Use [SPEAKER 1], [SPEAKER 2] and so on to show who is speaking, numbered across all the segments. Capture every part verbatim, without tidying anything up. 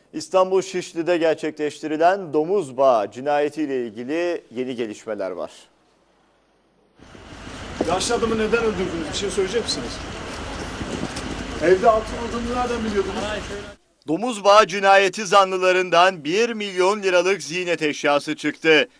[SPEAKER 1] İstanbul Şişli'de gerçekleştirilen domuz bağı cinayetiyle ilgili yeni gelişmeler var.
[SPEAKER 2] Yaşlı adamı neden öldürdünüz? Bir şey söyleyecek misiniz? Evde altın olduğunu nereden biliyordunuz?
[SPEAKER 1] Domuz bağı cinayeti zanlılarından bir milyon liralık ziynet eşyası çıktı.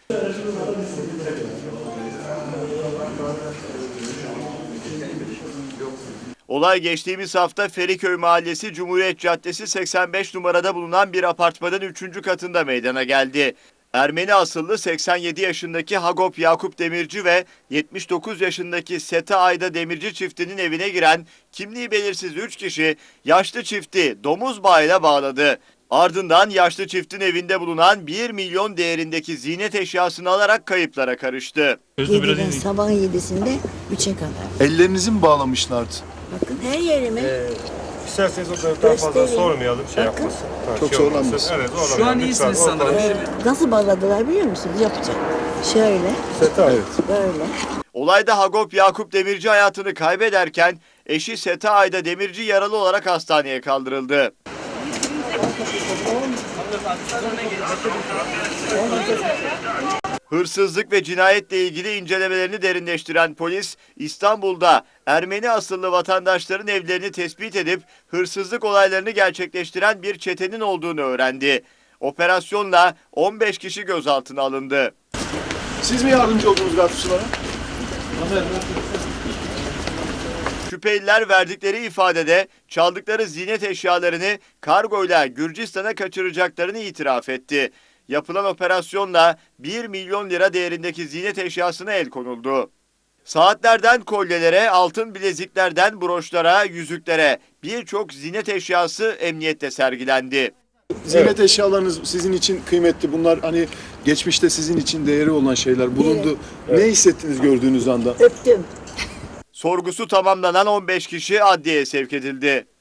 [SPEAKER 1] Olay geçtiğimiz hafta Feriköy Mahallesi Cumhuriyet Caddesi seksen beş numarada bulunan bir apartmanın üçüncü katında meydana geldi. Ermeni asıllı seksen yedi yaşındaki Hagop Yakup Demirci ve yetmiş dokuz yaşındaki Seta Ayda Demirci çiftinin evine giren kimliği belirsiz üç kişi yaşlı çifti domuz bağıyla bağladı. Ardından yaşlı çiftin evinde bulunan bir milyon değerindeki ziynet eşyasını alarak kayıplara karıştı.
[SPEAKER 3] yediden sabahın yedisinde üçe kadar.
[SPEAKER 2] Ellerinizi mi bağlamışlardı?
[SPEAKER 3] Bakın her yerime.
[SPEAKER 4] Ee, isterseniz o kadar daha fazla
[SPEAKER 3] Göstereyim.
[SPEAKER 4] sormayalım, şey
[SPEAKER 3] Bakın.
[SPEAKER 4] yapmasın. Ha,
[SPEAKER 2] Çok
[SPEAKER 4] şey olmasın.
[SPEAKER 2] zorlanmasın.
[SPEAKER 4] Evet, zorlamayalım.
[SPEAKER 5] Şu an
[SPEAKER 4] Lütfen,
[SPEAKER 5] iyisiniz
[SPEAKER 4] ortalığı-
[SPEAKER 5] sanırım.
[SPEAKER 3] Ee, nasıl bağladılar biliyor musunuz? Yapacağım. Şöyle,
[SPEAKER 4] Seta.
[SPEAKER 2] Evet.
[SPEAKER 3] böyle.
[SPEAKER 1] Olayda Hagop Yakup Demirci hayatını kaybederken eşi Seta Ayda Demirci yaralı olarak hastaneye kaldırıldı. Hırsızlık ve cinayetle ilgili incelemelerini derinleştiren polis, İstanbul'da Ermeni asıllı vatandaşların evlerini tespit edip hırsızlık olaylarını gerçekleştiren bir çetenin olduğunu öğrendi. Operasyonla on beş kişi gözaltına alındı.
[SPEAKER 2] Siz mi yardımcı oldunuz gazetecilere?
[SPEAKER 1] Şüpheliler verdikleri ifadede çaldıkları ziynet eşyalarını kargoyla Gürcistan'a kaçıracaklarını itiraf etti. Yapılan operasyonla bir milyon lira değerindeki ziynet eşyasına el konuldu. Saatlerden kolyelere, altın bileziklerden broşlara, yüzüklere birçok ziynet eşyası emniyette sergilendi.
[SPEAKER 2] Ziynet eşyalarınız sizin için kıymetli. Bunlar hani geçmişte sizin için değeri olan şeyler bulundu. Ne hissettiniz gördüğünüz anda?
[SPEAKER 3] Öptüm.
[SPEAKER 1] Sorgusu tamamlanan on beş kişi adliyeye sevk edildi.